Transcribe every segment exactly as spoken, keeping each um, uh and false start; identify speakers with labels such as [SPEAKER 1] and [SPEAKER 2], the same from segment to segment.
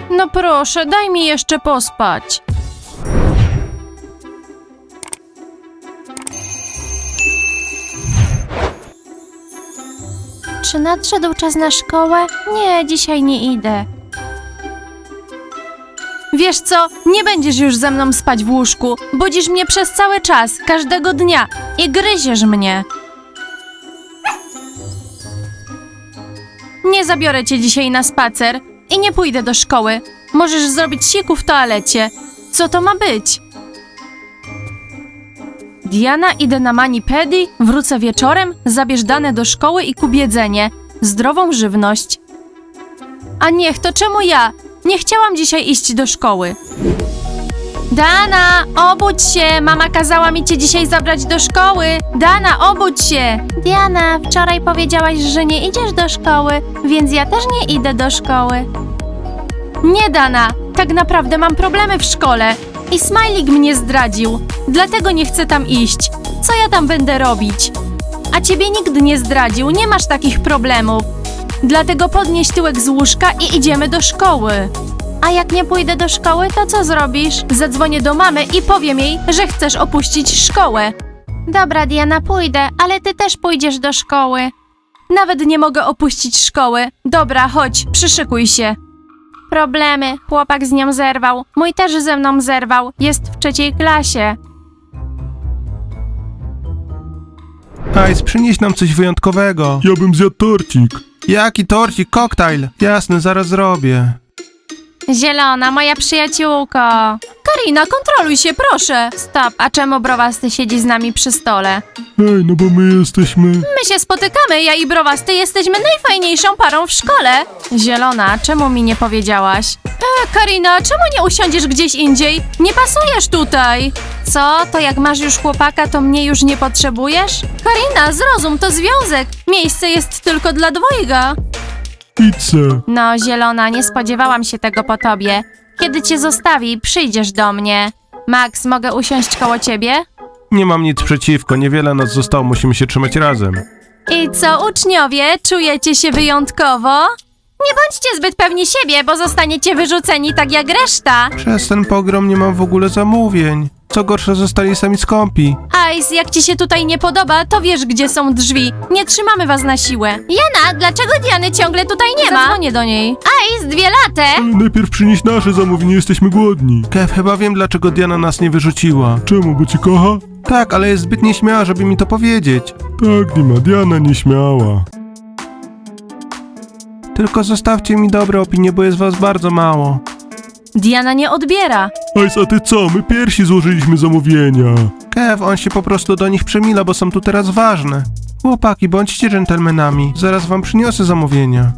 [SPEAKER 1] No proszę, daj mi jeszcze pospać. Czy nadszedł czas na szkołę? Nie, dzisiaj nie idę. Wiesz co, nie będziesz już ze mną spać w łóżku. Budzisz mnie przez cały czas, każdego dnia i gryziesz mnie. Nie zabiorę cię dzisiaj na spacer i nie pójdę do szkoły. Możesz zrobić siku w toalecie. Co to ma być? Diana, idę na mani-pedi, wrócę wieczorem, zabierz dane do szkoły i kup jedzenie. Zdrową żywność. A niech, to czemu ja? Nie chciałam dzisiaj iść do szkoły. Dana, obudź się! Mama kazała mi cię dzisiaj zabrać do szkoły. Dana, obudź się! Diana, wczoraj powiedziałaś, że nie idziesz do szkoły, więc ja też nie idę do szkoły. Nie, Dana, tak naprawdę mam problemy w szkole i Smajlik mnie zdradził, dlatego nie chcę tam iść. Co ja tam będę robić? A ciebie nikt nie zdradził, nie masz takich problemów. Dlatego podnieś tyłek z łóżka i idziemy do szkoły. A jak nie pójdę do szkoły, to co zrobisz? Zadzwonię do mamy i powiem jej, że chcesz opuścić szkołę. Dobra, Diana, pójdę, ale ty też pójdziesz do szkoły. Nawet nie mogę opuścić szkoły. Dobra, chodź, przyszykuj się. Problemy. Chłopak z nią zerwał. Mój też ze mną zerwał. Jest w trzeciej klasie.
[SPEAKER 2] Ice, przynieś nam coś wyjątkowego.
[SPEAKER 3] Ja bym zjadł torcik.
[SPEAKER 2] Jaki torcik? Koktajl. Jasne, zaraz zrobię.
[SPEAKER 1] Zielona, moja przyjaciółko. Karina, kontroluj się, proszę. Stop, a czemu Browasty siedzi z nami przy stole?
[SPEAKER 3] Ej, no bo my jesteśmy...
[SPEAKER 1] My się spotykamy, ja i Browasty jesteśmy najfajniejszą parą w szkole. Zielona, czemu mi nie powiedziałaś? E, Karina, czemu nie usiądziesz gdzieś indziej? Nie pasujesz tutaj. Co? To jak masz już chłopaka, to mnie już nie potrzebujesz? Karina, zrozum, to związek. Miejsce jest tylko dla dwojga.
[SPEAKER 3] Pizzę.
[SPEAKER 1] No, Zielona, nie spodziewałam się tego po tobie. Kiedy cię zostawi, przyjdziesz do mnie. Max, mogę usiąść koło ciebie?
[SPEAKER 2] Nie mam nic przeciwko, niewiele nas zostało, musimy się trzymać razem.
[SPEAKER 1] I co, uczniowie, czujecie się wyjątkowo? Nie bądźcie zbyt pewni siebie, bo zostaniecie wyrzuceni tak jak reszta.
[SPEAKER 2] Przez ten pogrom nie mam w ogóle zamówień. Co gorsza, zostali sami skąpi.
[SPEAKER 1] Ice, jak ci się tutaj nie podoba, to wiesz, gdzie są drzwi. Nie trzymamy was na siłę. Jana, dlaczego Diany ciągle tutaj nie ma? Zadzwonię do niej. Ice, dwie late.
[SPEAKER 3] Ale najpierw przynieś nasze zamówienie, jesteśmy głodni.
[SPEAKER 2] Kev, chyba wiem, dlaczego Diana nas nie wyrzuciła.
[SPEAKER 3] Czemu, bo ci kocha?
[SPEAKER 2] Tak, ale jest zbyt nieśmiała, żeby mi to powiedzieć.
[SPEAKER 3] Tak, Dima, Diana nieśmiała.
[SPEAKER 2] Tylko zostawcie mi dobre opinie, bo jest was bardzo mało.
[SPEAKER 1] Diana nie odbiera.
[SPEAKER 3] Ice, a ty co? My pierwsi złożyliśmy zamówienia.
[SPEAKER 2] Kev, on się po prostu do nich przemila, bo są tu teraz ważne. Chłopaki, bądźcie dżentelmenami. Zaraz wam przyniosę zamówienia.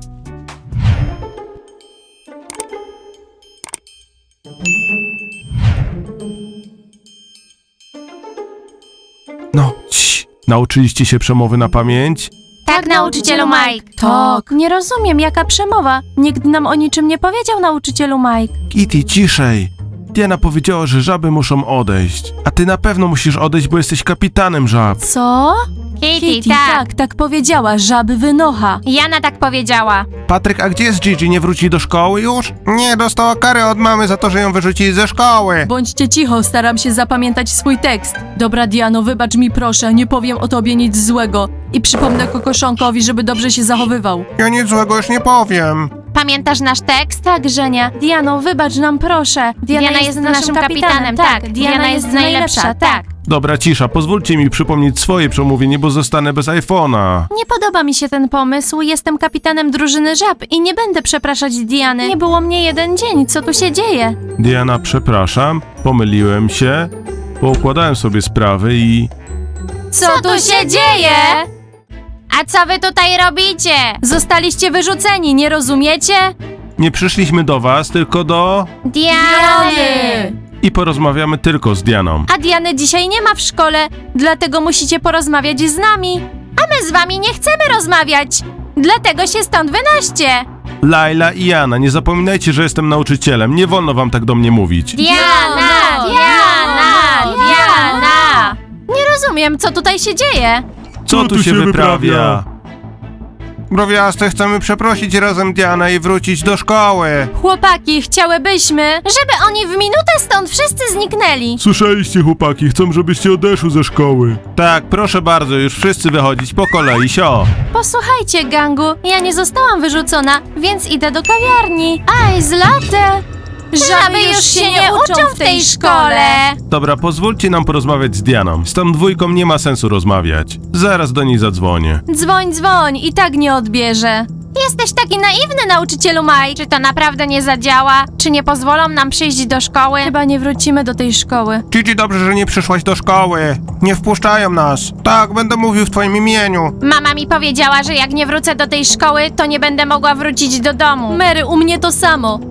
[SPEAKER 2] No, cii. Nauczyliście się przemowy na pamięć?
[SPEAKER 1] Tak, nauczycielu Mike. Tak. Nie rozumiem, jaka przemowa. Nikt nam o niczym nie powiedział, nauczycielu Mike.
[SPEAKER 2] Kitty, ciszej. Diana powiedziała, że żaby muszą odejść. A ty na pewno musisz odejść, bo jesteś kapitanem żab.
[SPEAKER 1] Co? Kitty, tak, tak powiedziała, żaby wynocha. Jana tak powiedziała.
[SPEAKER 2] Patryk, a gdzie jest Gigi? Nie wróci do szkoły już? Nie, dostała karę od mamy za to, że ją wyrzucili ze szkoły.
[SPEAKER 1] Bądźcie cicho, staram się zapamiętać swój tekst. Dobra, Diano, wybacz mi proszę, nie powiem o tobie nic złego. I przypomnę kokoszonkowi, żeby dobrze się zachowywał.
[SPEAKER 2] Ja nic złego już nie powiem.
[SPEAKER 1] Pamiętasz nasz tekst? Tak, Żenia. Diano, wybacz nam proszę. Diana,
[SPEAKER 4] Diana
[SPEAKER 1] jest, naszym kapitanem, tak. Diana jest najlepsza, tak.
[SPEAKER 2] Dobra, cisza, pozwólcie mi przypomnieć swoje przemówienie, bo zostanę bez iPhone'a.
[SPEAKER 1] Nie podoba mi się ten pomysł. Jestem kapitanem drużyny żab i nie będę przepraszać Diany. Nie było mnie jeden dzień, co tu się dzieje?
[SPEAKER 2] Diana, przepraszam, pomyliłem się, poukładałem sobie sprawy i...
[SPEAKER 1] Co tu się dzieje?
[SPEAKER 4] A co wy tutaj robicie?
[SPEAKER 1] Zostaliście wyrzuceni, nie rozumiecie?
[SPEAKER 2] Nie przyszliśmy do was, tylko do...
[SPEAKER 4] Diany!
[SPEAKER 2] I porozmawiamy tylko z Dianą.
[SPEAKER 1] A Diany dzisiaj nie ma w szkole, dlatego musicie porozmawiać z nami. A my z wami nie chcemy rozmawiać, dlatego się stąd wynoście.
[SPEAKER 2] Laila i Jana, nie zapominajcie, że jestem nauczycielem, nie wolno wam tak do mnie mówić.
[SPEAKER 4] Diana! Diana! Diana!
[SPEAKER 1] Nie rozumiem, co tutaj się dzieje.
[SPEAKER 2] Co tu się wyprawia? Browiasty, chcemy przeprosić razem Dianę i wrócić do szkoły.
[SPEAKER 1] Chłopaki, chciałybyśmy, żeby oni w minutę stąd wszyscy zniknęli.
[SPEAKER 3] Słyszeliście, chłopaki, chcą, żebyście odeszły ze szkoły.
[SPEAKER 2] Tak, proszę bardzo, już wszyscy wychodzić po kolei, sio.
[SPEAKER 1] Posłuchajcie, gangu, ja nie zostałam wyrzucona, więc idę do kawiarni. Aj, z latte!
[SPEAKER 4] Żaby już się nie uczą w tej szkole.
[SPEAKER 2] Dobra, pozwólcie nam porozmawiać z Dianą. Z tą dwójką nie ma sensu rozmawiać. Zaraz do niej zadzwonię.
[SPEAKER 1] Dzwoń, dzwoń, i tak nie odbierze.
[SPEAKER 4] Jesteś taki naiwny, nauczycielu Mike. Czy to naprawdę nie zadziała? Czy nie pozwolą nam przyjść do szkoły?
[SPEAKER 1] Chyba nie wrócimy do tej szkoły.
[SPEAKER 2] Gigi, dobrze, że nie przyszłaś do szkoły. Nie wpuszczają nas. Tak, będę mówił w twoim imieniu.
[SPEAKER 4] Mama mi powiedziała, że jak nie wrócę do tej szkoły, to nie będę mogła wrócić do domu.
[SPEAKER 1] Mary, u mnie to samo.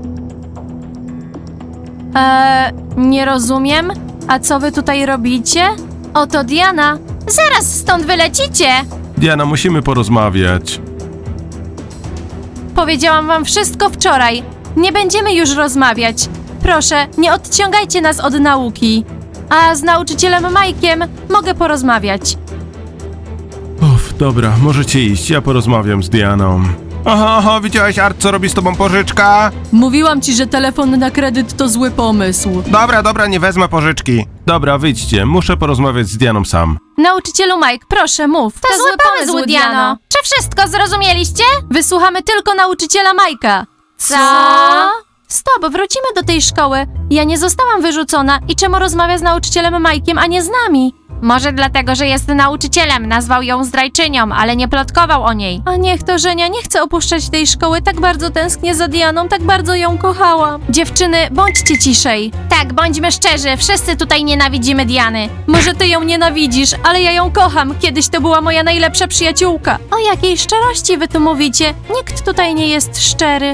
[SPEAKER 1] Eee, nie rozumiem. A co wy tutaj robicie? Oto Diana.
[SPEAKER 4] Zaraz stąd wylecicie.
[SPEAKER 2] Diana, musimy porozmawiać.
[SPEAKER 1] Powiedziałam wam wszystko wczoraj. Nie będziemy już rozmawiać. Proszę, nie odciągajcie nas od nauki. A z nauczycielem Mike'iem mogę porozmawiać.
[SPEAKER 2] Uff, dobra, możecie iść, ja porozmawiam z Dianą. Aha, aha, widziałeś, Art, co robi z tobą pożyczka?
[SPEAKER 1] Mówiłam ci, że telefon na kredyt to zły pomysł.
[SPEAKER 2] Dobra, dobra, nie wezmę pożyczki. Dobra, wyjdźcie, muszę porozmawiać z Dianą sam.
[SPEAKER 1] Nauczycielu Mike, proszę mów.
[SPEAKER 4] To, zły pomysł, Diano. Czy wszystko zrozumieliście?
[SPEAKER 1] Wysłuchamy tylko nauczyciela Majka.
[SPEAKER 4] Co?
[SPEAKER 1] Stop, wrócimy do tej szkoły. Ja nie zostałam wyrzucona i czemu rozmawia z nauczycielem Majkiem, a nie z nami?
[SPEAKER 4] Może dlatego, że jest nauczycielem, nazwał ją zdrajczynią, ale nie plotkował o niej.
[SPEAKER 1] A niech to, Żenia, nie chcę opuszczać tej szkoły. Tak bardzo tęsknię za Dianą, tak bardzo ją kochałam. Dziewczyny, bądźcie ciszej.
[SPEAKER 4] Tak, bądźmy szczerzy, wszyscy tutaj nienawidzimy Diany.
[SPEAKER 1] Może ty ją nienawidzisz, ale ja ją kocham. Kiedyś to była moja najlepsza przyjaciółka. O jakiej szczerości wy tu mówicie? Nikt tutaj nie jest szczery.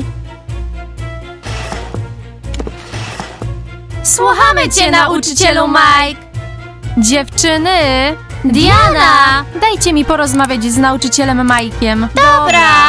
[SPEAKER 4] Słuchamy cię, nauczycielu Mike.
[SPEAKER 1] Dziewczyny!
[SPEAKER 4] Diana!
[SPEAKER 1] Dajcie mi porozmawiać z nauczycielem Majkiem.
[SPEAKER 4] Dobra.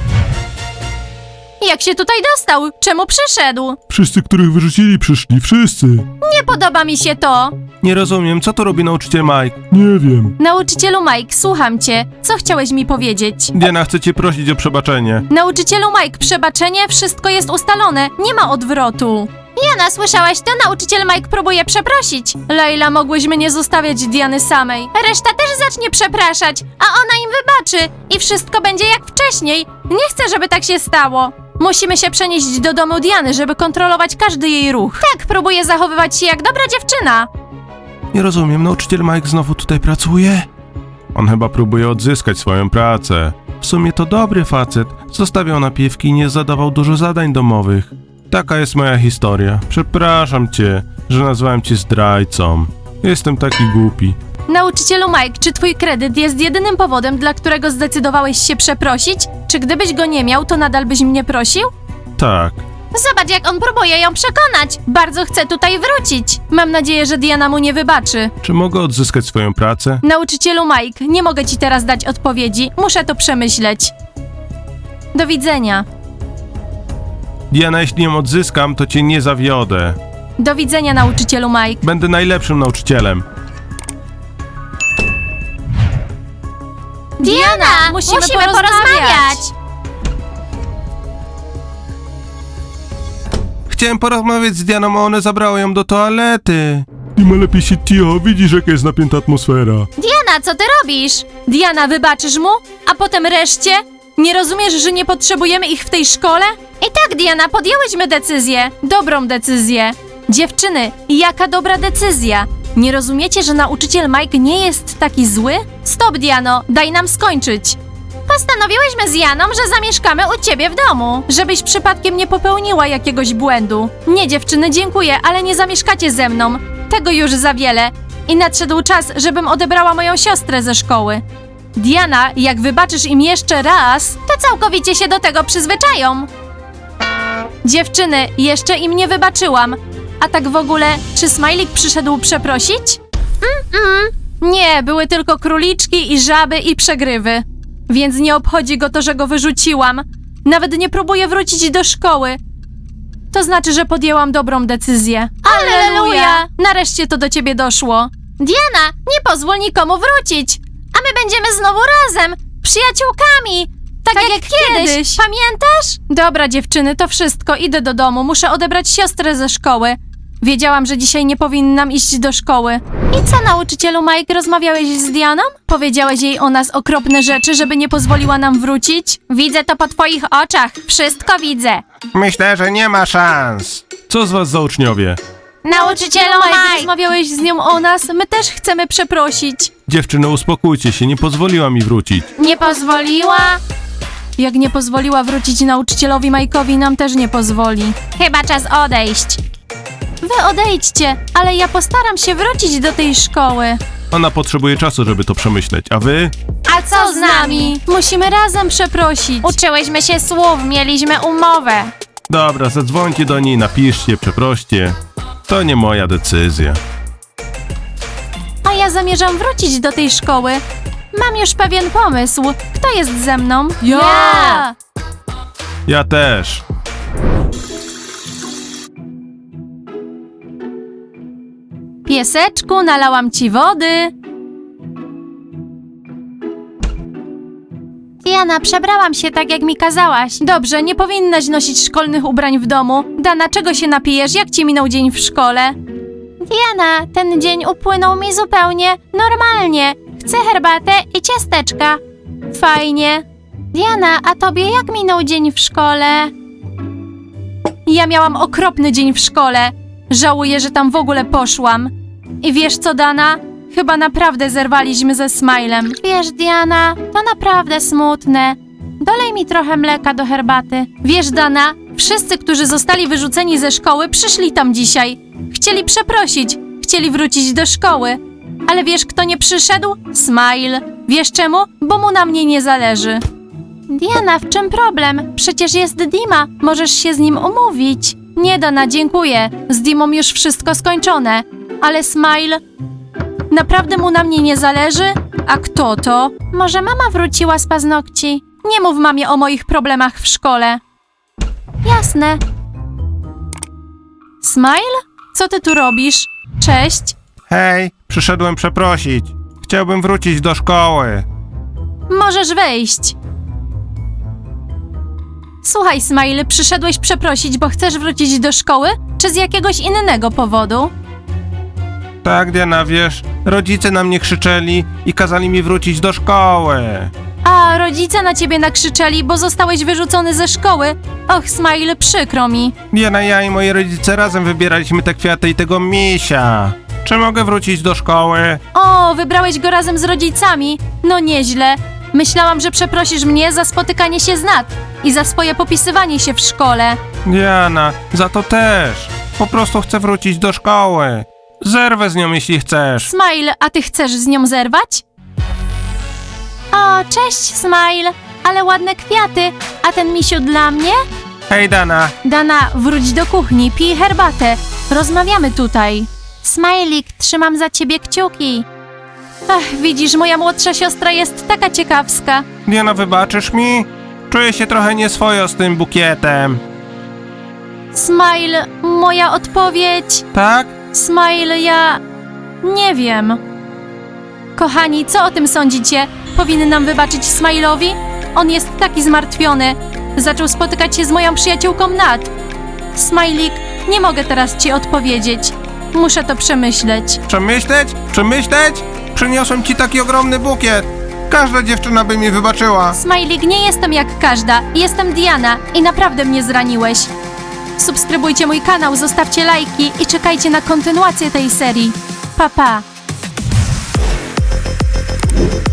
[SPEAKER 1] Jak się tutaj dostał? Czemu przyszedł?
[SPEAKER 3] Wszyscy, których wyrzucili, przyszli, wszyscy.
[SPEAKER 1] Nie podoba mi się to.
[SPEAKER 2] Nie rozumiem, co tu robi nauczyciel Mike?
[SPEAKER 3] Nie wiem.
[SPEAKER 1] Nauczycielu Mike, słucham cię. Co chciałeś mi powiedzieć?
[SPEAKER 2] Diana, chcę cię prosić o przebaczenie.
[SPEAKER 1] Nauczycielu Mike, przebaczenie, wszystko jest ustalone. Nie ma odwrotu.
[SPEAKER 4] Jana, słyszałaś to? Nauczyciel Mike próbuje przeprosić.
[SPEAKER 1] Leila, mogłyśmy nie zostawiać Diany samej.
[SPEAKER 4] Reszta też zacznie przepraszać, a ona im wybaczy i wszystko będzie jak wcześniej. Nie chcę, żeby tak się stało.
[SPEAKER 1] Musimy się przenieść do domu Diany, żeby kontrolować każdy jej ruch.
[SPEAKER 4] Tak, próbuje zachowywać się jak dobra dziewczyna.
[SPEAKER 2] Nie rozumiem, nauczyciel Mike znowu tutaj pracuje? On chyba próbuje odzyskać swoją pracę. W sumie to dobry facet. Zostawiał napiwki i nie zadawał dużo zadań domowych. Taka jest moja historia. Przepraszam cię, że nazwałem cię zdrajcą. Jestem taki głupi.
[SPEAKER 1] Nauczycielu Mike, czy twój kredyt jest jedynym powodem, dla którego zdecydowałeś się przeprosić? Czy gdybyś go nie miał, to nadal byś mnie prosił?
[SPEAKER 2] Tak.
[SPEAKER 4] Zobacz, jak on próbuje ją przekonać. Bardzo chce tutaj wrócić.
[SPEAKER 1] Mam nadzieję, że Diana mu nie wybaczy.
[SPEAKER 2] Czy mogę odzyskać swoją pracę?
[SPEAKER 1] Nauczycielu Mike, nie mogę ci teraz dać odpowiedzi. Muszę to przemyśleć. Do widzenia.
[SPEAKER 2] Diana, jeśli ją odzyskam, to cię nie zawiodę.
[SPEAKER 1] Do widzenia, nauczycielu Mike.
[SPEAKER 2] Będę najlepszym nauczycielem.
[SPEAKER 4] Diana,
[SPEAKER 1] musimy
[SPEAKER 4] musimy,
[SPEAKER 1] porozmawiać.
[SPEAKER 4] porozmawiać.
[SPEAKER 2] Chciałem porozmawiać z Dianą, a one zabrały ją do toalety.
[SPEAKER 3] Dima, lepiej się cicho, widzisz, jaka jest napięta atmosfera.
[SPEAKER 4] Diana, co ty robisz?
[SPEAKER 1] Diana, wybaczysz mu? A potem reszcie? Nie rozumiesz, że nie potrzebujemy ich w tej szkole?
[SPEAKER 4] I tak, Diana, podjęłyśmy decyzję.
[SPEAKER 1] Dobrą decyzję. Dziewczyny, jaka dobra decyzja. Nie rozumiecie, że nauczyciel Mike nie jest taki zły? Stop, Diano, daj nam skończyć.
[SPEAKER 4] Postanowiłyśmy z Janą, że zamieszkamy u ciebie w domu.
[SPEAKER 1] Żebyś przypadkiem nie popełniła jakiegoś błędu. Nie, dziewczyny, dziękuję, ale nie zamieszkacie ze mną. Tego już za wiele. I nadszedł czas, żebym odebrała moją siostrę ze szkoły. Diana, jak wybaczysz im jeszcze raz...
[SPEAKER 4] To całkowicie się do tego przyzwyczają.
[SPEAKER 1] Dziewczyny, jeszcze im nie wybaczyłam. A tak w ogóle, czy Smajlik przyszedł przeprosić?
[SPEAKER 4] Mm,
[SPEAKER 1] Nie, były tylko króliczki i żaby i przegrywy. Więc nie obchodzi go to, że go wyrzuciłam. Nawet nie próbuje wrócić do szkoły. To znaczy, że podjęłam dobrą decyzję.
[SPEAKER 4] Alleluja!
[SPEAKER 1] Nareszcie to do ciebie doszło.
[SPEAKER 4] Diana, nie pozwól nikomu wrócić. A my będziemy znowu razem, przyjaciółkami. Tak, jak, kiedyś. Pamiętasz?
[SPEAKER 1] Dobra, dziewczyny, to wszystko. Idę do domu. Muszę odebrać siostrę ze szkoły. Wiedziałam, że dzisiaj nie powinnam iść do szkoły. I co, nauczycielu Mike, rozmawiałeś z Dianą? Powiedziałeś jej o nas okropne rzeczy, żeby nie pozwoliła nam wrócić?
[SPEAKER 4] Widzę to po twoich oczach. Wszystko widzę.
[SPEAKER 2] Myślę, że nie ma szans. Co z was za uczniowie?
[SPEAKER 4] Nauczycielu
[SPEAKER 1] Mike,
[SPEAKER 4] Mike.
[SPEAKER 1] rozmawiałeś z nią o nas? My też chcemy przeprosić.
[SPEAKER 2] Dziewczyny, uspokójcie się, nie pozwoliła mi wrócić.
[SPEAKER 4] Nie pozwoliła?
[SPEAKER 1] Jak nie pozwoliła wrócić nauczycielowi Mike'owi, nam też nie pozwoli.
[SPEAKER 4] Chyba czas odejść.
[SPEAKER 1] Wy odejdźcie, ale ja postaram się wrócić do tej szkoły.
[SPEAKER 2] Ona potrzebuje czasu, żeby to przemyśleć, a wy?
[SPEAKER 4] A co z nami?
[SPEAKER 1] Musimy razem przeprosić.
[SPEAKER 4] Uczyłyśmy się słów, mieliśmy umowę.
[SPEAKER 2] Dobra, zadzwońcie do niej, napiszcie, przeproście. To nie moja decyzja.
[SPEAKER 1] A ja zamierzam wrócić do tej szkoły. Mam już pewien pomysł. Kto jest ze mną?
[SPEAKER 4] Ja!
[SPEAKER 2] Ja też.
[SPEAKER 1] Pieseczku, nalałam ci wody.
[SPEAKER 4] Diana, przebrałam się tak, jak mi kazałaś.
[SPEAKER 1] Dobrze, nie powinnaś nosić szkolnych ubrań w domu. Dana, czego się napijesz? Jak ci minął dzień w szkole?
[SPEAKER 4] Diana, ten dzień upłynął mi zupełnie normalnie. Chcę herbatę i ciasteczka.
[SPEAKER 1] Fajnie.
[SPEAKER 4] Diana, a tobie jak minął dzień w szkole?
[SPEAKER 1] Ja miałam okropny dzień w szkole. Żałuję, że tam w ogóle poszłam. I wiesz co, Dana? Chyba naprawdę zerwaliśmy ze Smilem.
[SPEAKER 4] Wiesz, Diana, to naprawdę smutne. Dolej mi trochę mleka do herbaty.
[SPEAKER 1] Wiesz, Dana, wszyscy, którzy zostali wyrzuceni ze szkoły, przyszli tam dzisiaj. Chcieli przeprosić, chcieli wrócić do szkoły. Ale wiesz, kto nie przyszedł? Smile. Wiesz czemu? Bo mu na mnie nie zależy.
[SPEAKER 4] Diana, w czym problem? Przecież jest Dima.
[SPEAKER 1] Możesz się z nim umówić. Nie, Dana, dziękuję. Z Dimą już wszystko skończone. Ale Smile... Naprawdę mu na mnie nie zależy? A kto to?
[SPEAKER 4] Może mama wróciła z paznokci?
[SPEAKER 1] Nie mów mamie o moich problemach w szkole.
[SPEAKER 4] Jasne.
[SPEAKER 1] Smile? Co ty tu robisz? Cześć.
[SPEAKER 2] Hej, przyszedłem przeprosić. Chciałbym wrócić do szkoły.
[SPEAKER 1] Możesz wejść. Słuchaj, Smile, przyszedłeś przeprosić, bo chcesz wrócić do szkoły? Czy z jakiegoś innego powodu?
[SPEAKER 2] Tak, Diana, wiesz, rodzice na mnie krzyczeli i kazali mi wrócić do szkoły.
[SPEAKER 1] A rodzice na ciebie nakrzyczeli, bo zostałeś wyrzucony ze szkoły. Och, Smile, przykro mi.
[SPEAKER 2] Diana, ja i moi rodzice razem wybieraliśmy te kwiaty i tego misia. Czy mogę wrócić do szkoły?
[SPEAKER 1] O, wybrałeś go razem z rodzicami. No nieźle. Myślałam, że przeprosisz mnie za spotykanie się z Nat i za swoje popisywanie się w szkole.
[SPEAKER 2] Diana, za to też. Po prostu chcę wrócić do szkoły. Zerwę z nią, jeśli chcesz.
[SPEAKER 1] Smile, a ty chcesz z nią zerwać?
[SPEAKER 4] O, cześć, Smile. Ale ładne kwiaty. A ten misiu dla mnie?
[SPEAKER 2] Hej, Dana.
[SPEAKER 1] Dana, wróć do kuchni, pij herbatę. Rozmawiamy tutaj.
[SPEAKER 4] Smajlik, trzymam za ciebie kciuki.
[SPEAKER 1] Ach, widzisz, moja młodsza siostra jest taka ciekawska.
[SPEAKER 2] Diana, wybaczysz mi? Czuję się trochę nieswojo z tym bukietem.
[SPEAKER 1] Smile, moja odpowiedź...
[SPEAKER 2] Tak?
[SPEAKER 1] Smile, ja... nie wiem. Kochani, co o tym sądzicie? Powinnam wybaczyć Smile'owi? On jest taki zmartwiony. Zaczął spotykać się z moją przyjaciółką Nat. Smajlik, nie mogę teraz ci odpowiedzieć. Muszę to przemyśleć.
[SPEAKER 2] Przemyśleć? Przemyśleć? Przyniosłem ci taki ogromny bukiet. Każda dziewczyna by mi wybaczyła.
[SPEAKER 1] Smajlik, nie jestem jak każda. Jestem Diana i naprawdę mnie zraniłeś. Subskrybujcie mój kanał, zostawcie lajki i czekajcie na kontynuację tej serii. Pa, pa.